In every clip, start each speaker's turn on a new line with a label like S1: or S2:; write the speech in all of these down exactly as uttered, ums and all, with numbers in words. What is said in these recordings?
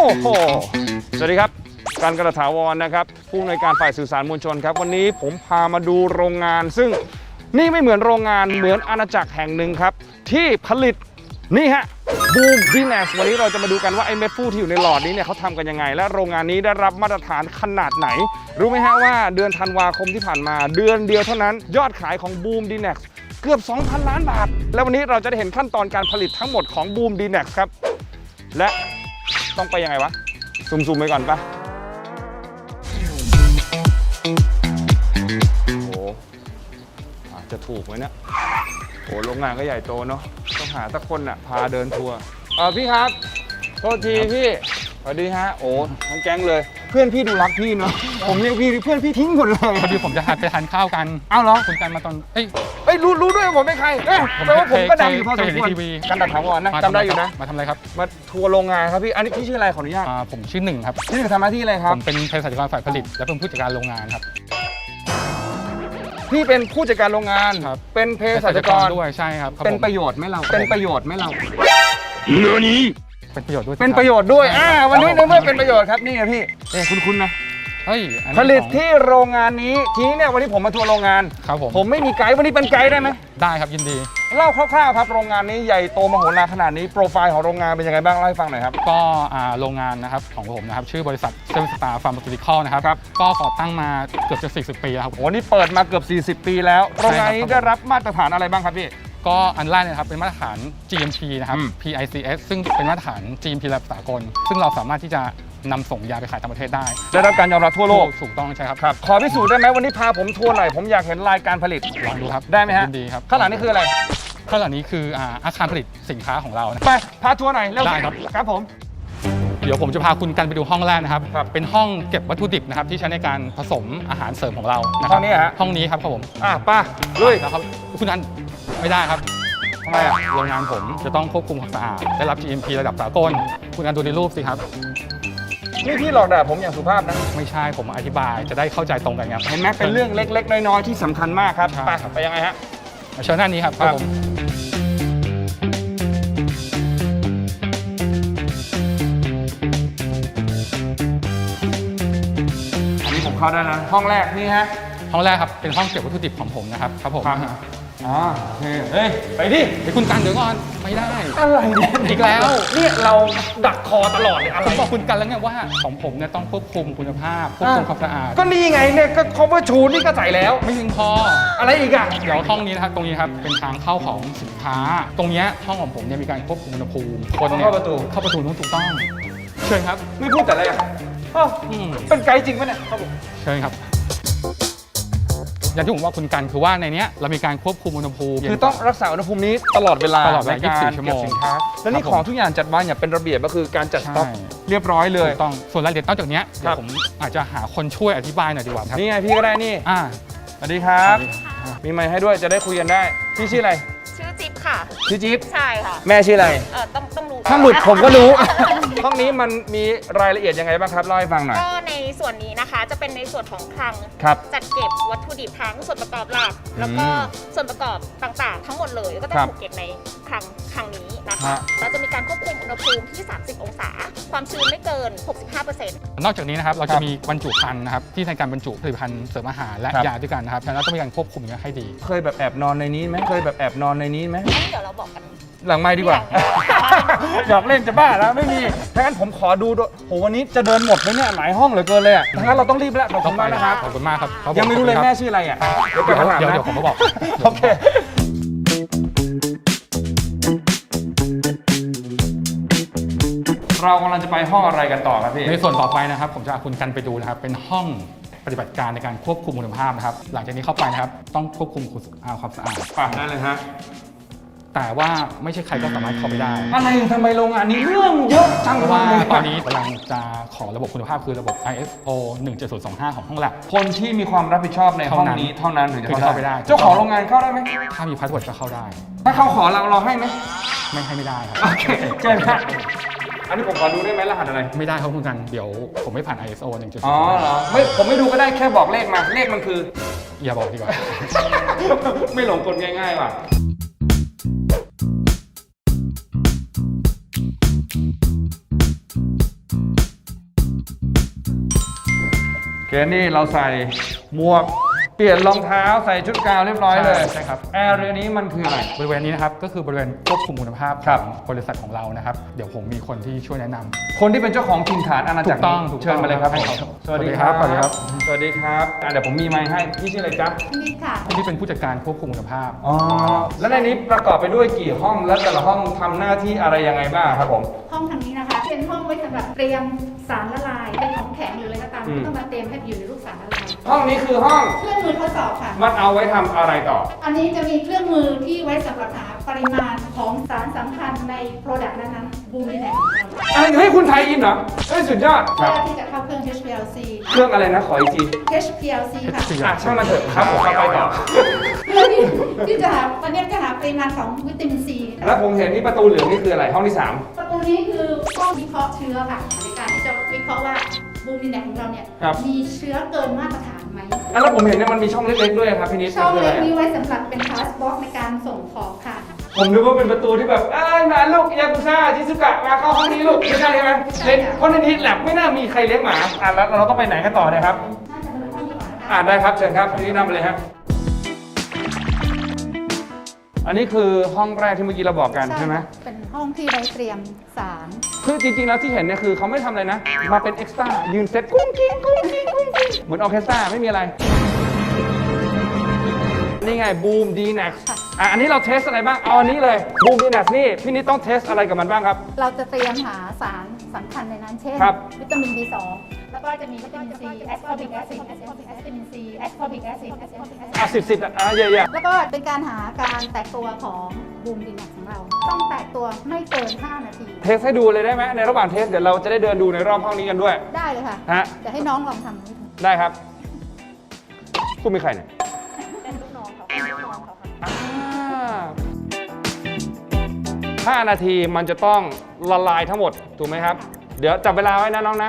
S1: อ้โหสวัสดีครับการกระถาวรนะครับผู้อำนวยการฝ่ายสื่อสารมวลชนครับวันนี้ผมพามาดูโรงงานซึ่งนี่ไม่เหมือนโรงงานเหมือนอาณาจักรแห่งหนึ่งครับที่ผลิตนี่ฮะบูมดีแนสวันนี้เราจะมาดูกันว่าไอ้เม็ดฟูที่อยู่ในหลอดนี้เนี่ยเขาทำกันยังไงและโรงงานนี้ได้รับมาตรฐานขนาดไหนรู้ไหมฮะว่าเดือนธันวาคมที่ผ่านมาเดือนเดียวเท่านั้นยอดขายของบูมดีแนสเกือบ สองพัน ล้านบาทแล้ววันนี้เราจะได้เห็นขั้นตอนการผลิตทั้งหมดของบูมดีแนสครับและต้องไปยังไงวะซูมๆไปก่อนปะโอ้อาจจะถูกไหมเนี่ยโอ้โรงงานก็ใหญ่โตเนาะต้องหาสักคนน่ะพาเดินทัวร์เออพี่ครับโทษทีพี่สวัสดีฮะโอ้ทั้งแก๊งเลยเพื่อนพี่ดูรักพี่เนาะผมเรียกพี่เพื่อนพี่ทิ้งหมดเลย
S2: พอดีผมจะหันไปทานข้าวกัน
S1: อ้าวเหรอ
S2: คุณกันมาตอนเอ้ย
S1: เอ้ยรู้รู้ด้วยผมเป็นใครเอ้ยแปลว่าผมก็ดังอยู่พอสมควรกันดักถาวรนะจำได้อยู่นะ
S2: มาทำอะไรครับ
S1: มาทัวร์โรงงานครับพี่อันนี้พี่ชื่ออะไรขออนุญาต
S2: ผมชื่อหนึ่งครับ
S1: ชื่อหนึ่งทำหน้าที่อะไรครับ
S2: ผมเป็นเภสัชกรฝ่ายผลิตและเป็นผู้จัดการโรงงานครับ
S1: พี่เป็นผู้จัดการโรงงานเป็นเภสัชกร
S2: ด้วยใช่ครับ
S1: เป็นประโยชน์ไหมเราเป็นประโยชน์ไหมเรา
S2: เนื้อนี้เป็นประโยชน์ด้วย
S1: เป็นประโยชน์ด้วยอ่าวันนี้ในเมื่อเป็นประโยชน์ครับนี่ไงพี่เอ้คุณคุณนะ
S2: เฮ้ย
S1: ผลิตที่โรงงานนี้ทีนี้เนี่ยวันนี้ผมมาทัวร์โรงงาน
S2: ครับผม
S1: ผมไม่มีไกด์วันนี้เป็นไกด์ได้ไหม
S2: ได้ครับยินดี
S1: เล่าคร่าวๆครับโรงงานนี้ใหญ่โตมโหฬารขนาดนี้โปรไฟล์ของโรงงานเป็นยังไงบ้างเล่าให้ฟังหน่อยครับ
S2: ก็โรงงานนะครับของผมนะครับชื่อบริษัทเซเว่นสตาร์ฟาร์มาซูติคอลนะครับก็ก่อตั้งมาเกือบจะสี่สิบปีแล้วครับ
S1: โอ้นี่เปิดมาเกือบสี่สิบปีแล้วโรงงานนี้ได้รับมาตรฐานอะไรบ้างครับพี่
S2: ก็อันแรกนะครับเป็นมาตรฐาน จี เอ็ม พี นะครับ พี ไอ ซี เอส ซึ่งเป็นมาตรฐาน จี เอ็ม พี ระดับสากลซึ่งเราสามารถที่จะนำส่งยาไปขายต่างประเทศได้
S1: ได้รับการยอมรับทั่วโลก
S2: ถูกต้องใช่ครับ
S1: ครับขอพิสูจน์ได้ไหมวันนี้พาผมทัวร์หน่อยผมอยากเห็นรายการผลิต
S2: ลองดูครับ
S1: ได้ไหมฮะ
S2: ดีครับ
S1: ข้างหลังนี่คืออะไร
S2: ข้างหลังนี้คืออาคารผลิตสินค้าของเรา
S1: ไปพาทัวร์หน่อยเร็ว
S2: ได้ครับ
S1: ครับผม
S2: เดี๋ยวผมจะพาคุณกันไปดูห้องแรกนะครับเป็นห้องเก็บวัตถุดิบนะครับที่ใช้ในการผสมอาหารเสริมของเรา
S1: ห้องนี้ฮะ
S2: ห้องนี้ครับครับผม
S1: อ่ะป้าลุย
S2: นะครับคุณกันไม่ได้ครับ
S1: ทำไมอ่ะ
S2: โรงงานผมจะต้องควบคุมความสะอาดได้รับ จี เอ็ม พี ระดับสากลคุณกันดูในรูปสิครับ
S1: นี่พี่หลอกด่าผมอย่างสุภาพนะ
S2: ไม่ใช่ผมอธิบายจะได้เข้าใจตรงกันครับ
S1: เห็นไหมเป็นเรื่องเล็กๆน้อยๆที่สำคัญมากครับไปไปยังไงฮะ
S2: เชิญหน้านี้ครับครับผม
S1: อันนี้ผมเข้าได้นะห้องแรกนี่ฮะ
S2: ห้องแรกครับเป็นห้องเก็บวัตถุดิบของผมนะครับครับผม
S1: อ๋อโอเคเฮ้ยไปดิ
S2: ไปคุณกันเดี๋ยวก่อนไม่ได้
S1: อะไรเนี่ย
S2: อีกแล้ว
S1: เนี่ยเราดักคอตลอดเลยอะไร
S2: ผมบอกคุณกันแล้วไงว่าของผมเนี่ยต้องควบคุมคุณภาพควบคุมความสะอาด
S1: ก็นี่ไงเนี่ยก็ cover ชูนี่ก็ใส่แล้ว
S2: ไม่ถึงพอ
S1: อะไรอีกอ่ะ
S2: เดี๋ยวห้องนี้นะครับตรงนี้ครับเป็นทางเข้าของสินค้าตรงนี้ห้องของผมเนี่ยมีการควบคุมอุณหภูมิ
S1: คนเข้าประตู
S2: เข้าประตูนู้นถูกต้องเชิญครับ
S1: ไม่พูดแต่อะไรอ่ะเป็นไกด์จริงปะเนี่ยครับผม
S2: เชิญครับอย่างที่ผมว่าคุณกันคือว่าในนี้เรามีการควบคุมอุณหภูมิ
S1: คือต้องรักษาอุณหภูมินี้ตลอดเวลา
S2: ตลอดยี่สิบสี่ชั่วโมง
S1: สินค้าและนี่ของทุกอย่างจัดวางอย่างเป็นระเบียบก็คือการจัดสต็อกเรียบร้อยเลย
S2: ต้องส่วนรายละเอียดนอกจากนี้เดี๋ยวผมอาจจะหาคนช่วยอธิบายหน่อยดีกว่าครับ
S1: นี่ไงพี่ก็ได้นี่
S2: อ่า
S1: สวัสดีครับมีไมค์ให้ด้วยจะได้คุยกันได้พี่ชื่ออะไร
S3: ชื่อจิ๊บค่ะ
S1: ชื่อจิ๊บ
S3: ใช่ค่ะ
S1: แม่ชื่ออะไร
S3: เออต้องต้องรู้
S1: ถ้าหลุดผมก็รู้ห้องนี้มันมีรายละเอียดยังไงบ้างครับเล่าให้ฟังหน่อย
S3: ก็ในส่วนนี้นะคะจะเป็นในส่วนของคลังจัดเก็บวัตถุดิบทั้งส่วนประกอบหลักแล้วก็ส่วนประกอบต่างๆทั้งหมดเลยก็ต้องถูกเก็บในคลังคลังนี้นะคะเราจะมีการควบคุมอุณหภูมิที่สามสิบองศาความชื้นไม่เกิน หกสิบห้าเปอร์เซ็นต์
S2: นอกจากนี้นะครับเราจะมีบรรจุภัณฑ์นะครับที่ในการบรรจุผลิตภัณฑ์เสริมอาหารและยาด้วยกันนะครับฉะนั้นต้องมีการควบคุมให้ดี
S1: เคยแบบแอบนอนในนี้ไหมเคยแบบแอบนอนในนี้ไหม
S3: เดี๋ยวเราบอกกัน
S1: หลังไมค์ดีกว่าหยอกเล่นจะบ้าแล้วไม่มีถ้างั้นผมขอดูด้วยโหวันนี้จะเดินหมดไหมเนี่ยหลายห้องเหลือเกินเลยอ่ะถ้างั้นเราต้องรีบแล้วขอบคุณมากนะครับ
S2: ขอบคุณมากครับ
S1: ยังไม่รู้เลยแม่ชื่ออะไรอ่ะ
S2: เดี๋ยวเดี๋ยวผมก็บอก
S1: โอเคเรากำลังจะไปห้องอะไรกันต่อครับพี่
S2: ในส่วนต่อไปนะครับผมจะพาคุณกันไปดูนะครับเป็นห้องปฏิบัติการในการควบคุมคุณภาพนะครับหลังจากนี้เข้าไปนะครับต้องควบคุมความสะอาด
S1: ป่ะได้เลยฮะ
S2: แต่ว่าไม่ใช่ใครก็สามารถเข้าไปได้
S1: อะไรทำไมโรงงานนี้เรื่องเยอะจัง
S2: เพราะว่าตอนนี้กำลังจะขอระบบคุณภาพคือระบบ ไอ เอส โอ หนึ่งเจ็ดศูนย์สองห้า ของห้องแลบ
S1: คนที่มีความรับผิดชอบในห้องนี้เท่านั้นถึงจะ
S2: เข้าไปได้
S1: เจ้าของโรงงานเข้าได้ไหม
S2: ถ้ามีพาสเวิร์ดก็เข้าได้
S1: ถ้าเขาขอเราเราให้ไหม
S2: ไม่ให้ไม่ได้ครับ
S1: โอเคเชิญครับอันนี้ผมขอดูได้ไหมรหัสอะไร
S2: ไม่ได้ครับคุณกันเดี๋ยวผมไม่ผ่าน ไอ เอส โอ หนึ่งเจ็ดศูนย์
S1: อ๋อเหรอไม่ผมไม่ดูก็ได้แค่บอกเลขมาเลขมันคือ
S2: อย่าบอกดีกว่า
S1: ไม่หลงกลง่ายๆว่ะเกณฑ์นี่เราใส่หมวกเปลี่ยนรองเท้าใส่ชุดกาวเรียบร้อยเลย
S2: ใช่ครับ
S1: แอร์เรียนี้มันคืออะไร
S2: บริเวณนี้นะครับก็คือบริเวณควบคุมคุณภาพ
S1: ครับ
S2: ของบริษัทของเรานะครับเดี๋ยวผมมีคนที่ช่วยแนะนำ
S1: คนที่เป็นเจ้าของถิ่นฐานอาณาจักร
S2: ถูกต้อง
S1: นี้
S2: ถูกต้อง
S1: เชิญมาเลยครับ
S2: ให้
S1: ผม
S2: เขา
S1: สวัสดีครับ
S2: สวัสดีครับ
S1: สวัสดีครับอ่ะเดี๋ยวผมมีไมค์ให้พี่ชื่ออะไรจ๊ะ
S3: นี่ค่ะ
S2: ที่เป็นผู้จัดการควบคุมคุณภาพ
S1: อ๋อแล้วในนี้ประกอบไปด้วยกี่ห้องและแต่ละห้องทำหน้าที่อะไรยังไงบ้างครับผม
S4: ห้องทางนี้นะคะ เป็นห้องไว้สำหรับเตรียมสารละลาย เป็นของแข็งหรืออะไรก็ตาม
S1: อืม
S4: ที่ต้องมาเตรียมให้อยู่ในลูกสารละลาย
S1: ห้องนี้คือห้อง
S4: เครื่องมือทดสอบค่ะ
S1: มันเอาไว้ทำอะไรต่อ
S4: อันนี้จะมีเครื่องมือที่ไว้สำหรับหาปริมาณของสารสำคัญในโปรดักต์นั้นๆบูมนี่แหละของเรา
S1: อะไรให้คุณไทยอินเหรอเฮ้ยสุดยอดค
S4: เพื่
S1: รับ
S4: อที่จะเข้าเครื่อง เอช พี แอล ซี
S1: เครื่องอะไรนะขออีกที
S4: เอช พี แอล ซี ค่ะ
S1: อ่ะช่างมันเถอะครับผมเข้าไปต่อ
S4: เพื่อที่ที่จะหาวันนี้จะหาปริมาณของวิตามินซี
S1: แล้วผมเห็นนี่ประตูเหลืองนี่คืออะไรห้องที่สาม
S4: ประตูนี้คือห้องวิเคราะห์เชื้อค่ะ ในการที่จะวิเคราะห์ว่าบูมนี่แหละของเราเนี่ย
S1: ครับ
S4: มีเชื้อเกินมาตรฐานไหม
S1: อ่ะแล้วผมเห็นเนี่ยมันมีช่องเล็กๆด้วยครับพี่นิด
S4: ช่อง
S1: มันคืะ
S4: เล็
S1: ไร
S4: ก
S1: อ่ะ
S4: นี้ไว้สำหรับเป็นพาสบ็อกในการส่งของค่ะ
S1: ผมนึกว่าเป็นประตูที่แบบเอ้ยมาลูกยากุซ่าชิซุกะมาเข้าห้องนี้ลูกไม่ใช่ใช่ไหม
S4: ใช่
S1: เล่น
S4: ค่ะ
S1: เพราะในนี้แลบไม่น่ามีใครเลี้ยงหมาอ่ะแล้วเราต้องไปไหนกันต่อเนะครับ
S4: น่าจะเป็นห้องนี้ก่อนนะคะ
S1: อ่าได้ครับเชิญครับพี่นิดนำไปเลยครับอันนี้คือห้องแรกที่เมื่อกี้เราบอกกันใช่ไหม
S4: เป็นห้องที่ไว้เตรียมสาร
S1: คือจริงๆแล้วที่เห็นเนี่ยคือเขาไม่ทำอะไรนะ มาเป็นเอ็กซ์ตร้ายืนเซตกุ้งกิ้งกุ้งกิ้งกุ้งกิ้งเหมือนออร์เคสตราไม่มีอะไร นี่ไงบูมดีแน็กอ่ะอันนี้เราเทสอะไรบ้าง เอาอันนี้เลยบูมดีแน็กนี่พี่นิดต้องเทสอะไรกับมันบ้างครับ
S4: เราจะเตรียมหาสารสำคัญในนั้น เช่น
S1: ครับ
S4: วิตามิน บี สอง แล้วก็จะมีวิตามิน ซี แอสคอบิกแอซิด วิตามิน ซี แอสคอบิกแอซิด
S1: อ่ะสิบสิบอ่ะเยอะ
S4: แล้วก็เป็นการหาการแตกตัวของบูมดีแม็กของเรา ต้องแตกตัวไม่เกิน ห้า นาที
S1: ๆเทสให้ดูเลยได้ไหมในระหว่างเทสเดี๋ยวเราจะได้เดินดูในรอบห้องนี้กันด้วย
S4: ได้เลยค่ะ
S1: ฮะ
S4: เดี๋ยวให้น้องลองทำดู
S1: ได้ครับคุณเป็นใครเนี่ย
S3: เป็นลูกน้องเขาเป็นลูกน้องเขาค่ะ
S1: ห้านาทีมันจะต้องละลายทั้งหมด ถูกไหมครับ เดี๋ยวจับเวลาไว้นะน้องนะ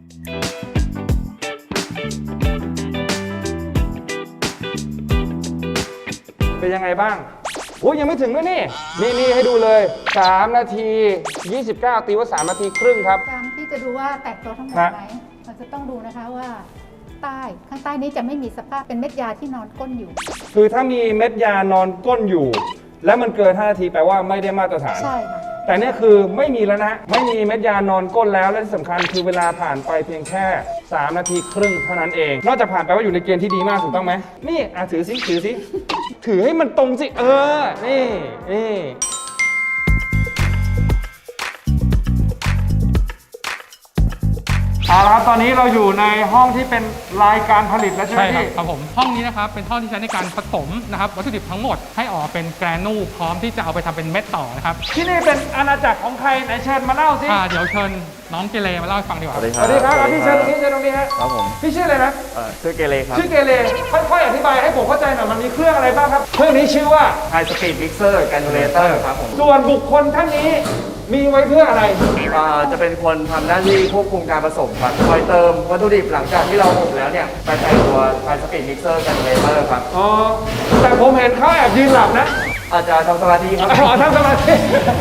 S1: เป็นยังไงบ้างโอ้ยยังไม่ถึงด้วยนี่ นี่นี่ให้ดูเลย สาม นาที ยี่สิบเก้า ตีว่า สาม นาทีครึ่งครับ
S4: การที่จะดูว่าแตกตัวทั้งหมด
S1: ฮะ
S4: ไหมเราจะต้องดูนะคะว่าใต้ข้างใต้นี้จะไม่มีสภาพเป็นเม็ดยาที่นอนก้นอยู่
S1: คือถ้ามีเม็ดยานอนก้นอยู่ แล้วมันเกิน ห้า นาทีแปลว่าไม่ได้มาตรฐาน
S4: ใช่ค่ะ
S1: แต่เนี่ยคือไม่มีแล้วนะ ไม่มีเม็ดยานอนก้นแล้ว และที่สำคัญคือเวลาผ่านไปเพียงแค่ สาม นาทีครึ่งเท่านั้นเอง นอกจากผ่านไปว่าอยู่ในเกณฑ์ที่ดีมากถูกต้องไหมนี่อ่ะถือสิถือสิ ถือให้มันตรงสิ เออ นี่นี่เอาละครับตอนนี้เราอยู่ในห้องที่เป็นรายการผลิตแล้วใช่ไหม
S2: ใช่ครับ
S1: พี่
S2: ครับผมห้องนี้นะครับเป็นห้องที่ใช้ในการผสมนะครับวัตถุดิบทั้งหมดให้ออกมาเป็นแกรนูพร้อมที่จะเอาไปทำเป็นเม็ดต่อนะครับ
S1: ที่นี่เป็นอาณาจักรของใครไหนเชิญมาเล่าสิ
S2: อ่าเดี๋ยวเชิญน้องเกเรมาเล่าให้ฟังดีกว่า
S5: สวัสดี
S1: ส
S5: ครับ
S1: วัสดีครับอ่ะพี่เชิญตรงนี้เชิญตรงนี้ฮะ
S5: ครับผม
S1: พี่ชื่ออะไรนะ
S5: เอ่อชื่อเกเรครับ
S1: ชื่อเกเรค่อยๆอธิบายให้ผมเข้าใจหน่อยมันมีเครื่องอะไรบ้างครับ เครื่องนี้ชื่อว่า
S5: High Speed Mixer Granulator ครับผม
S1: ส่วนบุคคลท่านนี้มีไว้เพื่ออะไร
S5: อ่าจะเป็นคนทำหน้าที่ควบคุมการผสมครับคอยเติมวัตถุดิบหลังจากที่เราอบแล้วเนี่ยไปใส่ตัว High Speed Mixer Granulator ครับ
S1: อ๋อ แต่ผมเห็นเขาแอบยืนหลับนะ
S5: อาจจะทำสมาธิครับ
S1: อ๋อทำสมาธิ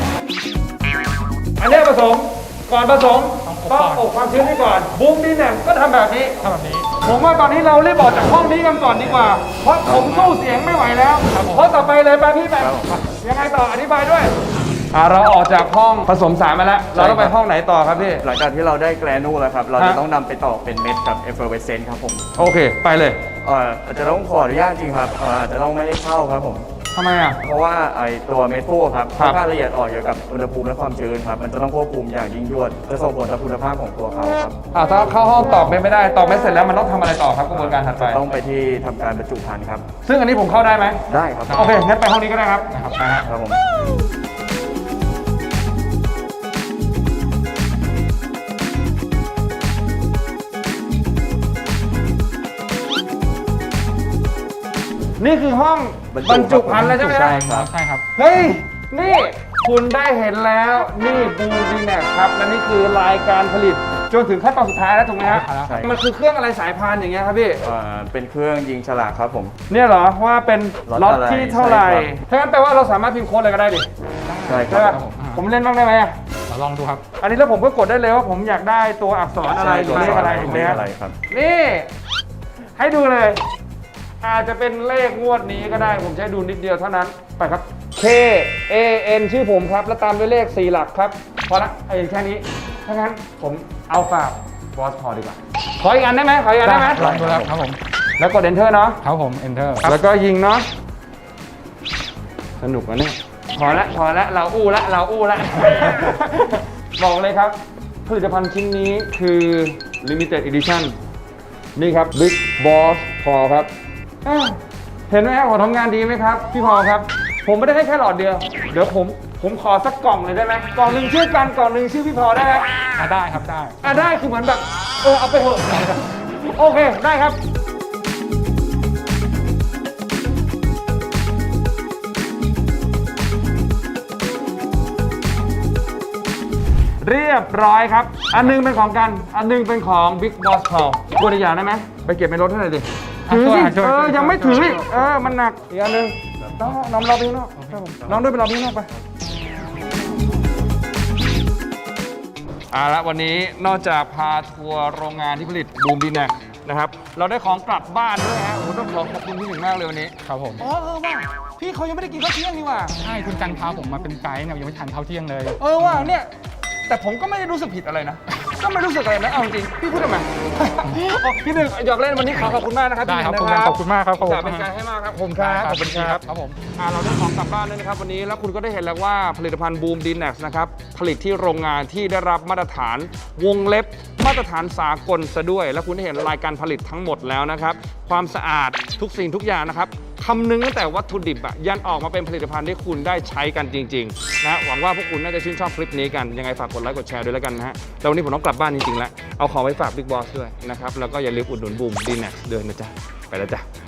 S1: อันนี้ผสม ก่อนผสม
S2: ต้
S1: ต้อ
S2: อง ง
S1: อ
S2: อ
S1: บบ ความชื้นให้ก่อนบูมดีแหนมก็ทำแบบนี้
S2: ทำแบบนี้
S1: ผมว่าตอนนี้เรารีบออกจากห้องนี้กันก่อนดีกว่า เพราะผมสู้เสียงไม่ไหวแล้ว
S2: ครับผม
S1: เพราะต่อไปเลยไปพี่แบบยังไงต่ออธิบายด้วย อ่าเราออกจากห้องผสมสารมาแล้ว เราต้องไปห้องไหนต่อครับพี่
S5: หลังจากที่เราได้แกรนูแล้วครับ เราจะ
S1: ฮะ
S5: ต้องนำไปต่อเป็นเม็ดกับ effervescent ครับผม
S1: โอเค ไปเลย
S5: เอ่ออาจจะต้องขออนุญาตจริงครับเอ่ออาจจะต้องไม่ให้เข้าครับผม
S1: ทำไมอ่ะ
S5: เพราะว่าไอตัวเม็ดฟูครับ
S1: ครับ
S5: ค่อนข้างละเอียดอ่อนเกี่ยวกับอุณหภูมิและความชื้นครับ มันจะต้องควบคุมอย่างยิ่งยวด จะส่งผลต่อคุณภาพของตัวเขาครับ
S1: อ่าถ้าเข้าห้องตอบไม่ได้ ตอบไม่เสร็จแล้วมันต้องทำอะไรต่อครับกระบวนการถัดไป
S5: ต้องไปที่ทำการบรรจุภัณฑ์ครับ
S1: ซึ่งอันนี้ผมเข้าได้ไหม
S5: ได้ครับ
S1: โอเค งั้นไปห้องนี้ก็ได้ครับนะครับไปฮะ
S5: ครับผม
S1: นี่คือห้องบรรจุภัณฑ์แล้วใช่ไหม
S5: ใช่ครับ
S2: ใช่ครับ
S1: เฮ้ย นี่คุณได้เห็นแล้ว นี่บูมดีแน็กครับ และนี่คือรายการผลิต จนถึงขั้นตอนสุดท้ายแล้วถูกไหมฮะ
S5: ใช่
S1: มันคือเครื่องอะไรสายพานอย่างเงี้ยครับพี่
S5: เอ่อเป็นเครื่องยิงฉลากครับผม
S1: เนี่ยเหรอว่าเป็น
S5: ล็
S1: ล็อ
S5: อ
S1: ต
S5: ตอะไร
S1: ที่เท่าไหร่
S5: ใช่ครับ
S1: ถ้างั้นแปลว่าเราสามารถพิมพ์โค้ดอะไรก็ได้ดิ
S5: ใช่ค
S1: ใช่
S5: รั
S1: ป่ะ
S5: บ
S1: ผมเล่นบ้างได้ไหมอะ
S2: เราลองดูครับ
S1: อันนี้แล้วผมก็กดได้เลยว่าผมอยากได้ตัวอักษรอะไรหรือเลขอะไรถูกไหม
S5: เลข
S1: ฮะ
S5: อะไรครับ
S1: นี่ ให้ดูเลย อาจจะเป็นเลขงวดนี้ก็ได้ผมใช้ดูนิดเดียวเท่านั้นไปครับ K A N ชื่อผมครับ แล้วตามด้วยเลขสี่หลักครับ พอละไอ้แค่นี้ถ้างั้นผมเอาฝากบอสพอดีกว่า ขออีกอันได้ไหมขออีกอันได้ไหม
S2: ลองดูครับครับผม
S1: แล้วกด enter เนาะ
S2: ครับผม enter
S1: แล้วก็ยิงเนาะสนุกอ่ะเนี่ยพอละพอละเราอู้ละเราอู้ละ บอกเลยครับ ผลิตภัณฑ์ชิ้นนี้คือ limited edition นี่ครับ Big Boss พอครับอ้าวเห็นไหมครับผมทำงานดีไหมครับ พี่พอครับ ผมไม่ได้ให้แค่หลอดเดียว เดี๋ยวผมผมขอสักกล่องเลยได้ไหมกล่องหนึ่งชื่อกันกล่องหนึ่งชื่อพี่พอได้ไหม
S2: อ่ะได้ครับได้
S1: อ่ะได้คือเหมือนแบบเออเอาไปเถอะ โอเคได้ครับ เรียบร้อยครับ อันหนึงเป็นของกัน อันหนึงเป็นของ Big Boss Paul ตัวอีกอย่างได้ไหมไปเก็บในรถให้หน่อยดิ
S2: อ่ะ
S1: ถือสิ
S2: ช่วย
S1: เอ
S2: ช่วย
S1: อ
S2: ช่วย
S1: ยังไม่
S2: ช่วย
S1: ถือ
S2: ช่วย
S1: อีกเออมันหนักอีกอันหนึงน้องน้องรอไปข้างนอกครับผมน้องด้วยไปรอไปข้างนอกไปเอาละวันนี้นอกจากพาทัวร์โรงงานที่ผลิตบูมดีแน็กนะครับเราได้ของกลับบ้านด้วยฮะโอ้โหต้องขอขอบคุณพี่หนึ่งมากเลยวันนี้
S2: ครับผม
S1: อ๋อเออว่าพี่เขายังไม่ได้กินข้าวเที่ยงนี่หว่า
S2: ใช่คุณกันพาผมมาเป็นไกด์เนี่ยยังไม่ทานข้าวเที่ยงเลย
S1: เออว่าเนี่ยแต่ผมก็ไม่ได้รู้สึกผิดอะไรนะ ก็ไม่รู้สึกอะไรนะเอาจริงพี่พูดทำไม อ๋อพี่หนึ่งหยอกเล่นวันนี้ขอขอบคุณมากนะครับ
S2: ได้ครับ
S1: พี่
S2: คุณ
S1: หนึ่ง
S2: กันขอบคุณมากครับ
S1: ขอบคุณเป็นการให้มากครับผมครับขอบคุณครับ
S2: ครับผม
S1: อ่าเราได้ของกลับบ้านด้วยนะครับวันนี้แล้วคุณก็ได้เห็นแล้วว่าผลิตภัณฑ์บูมดีแน็กนะครับผลิตที่โรงงานที่ได้รับมาตรฐานวงเล็บมาตรฐานสากลซะด้วย แล้วคุณได้เห็นรายการผลิตทั้งหมดแล้วนะครับความสะอาดทุกสิ่งทุกอย่างนะครับคำนึงตั้งแต่วัตถุดิบอะยันออกมาเป็นผลิตภัณฑ์ที่คุณได้ใช้กันจริงๆนะหวังว่าพวกคุณน่าจะชื่นชอบคลิปนี้กันยังไงฝากกดไลค์กดแชร์ด้วยแล้วกันนะฮะแล้ววันนี้ผมต้องกลับบ้านจริงๆแล้วเอาของไปฝาก Big Boss ด้วยนะครับแล้วก็อย่าลืมอุดหนุนบูมดีแน็กด้วยนะจ๊ะไปแล้วจ้ะ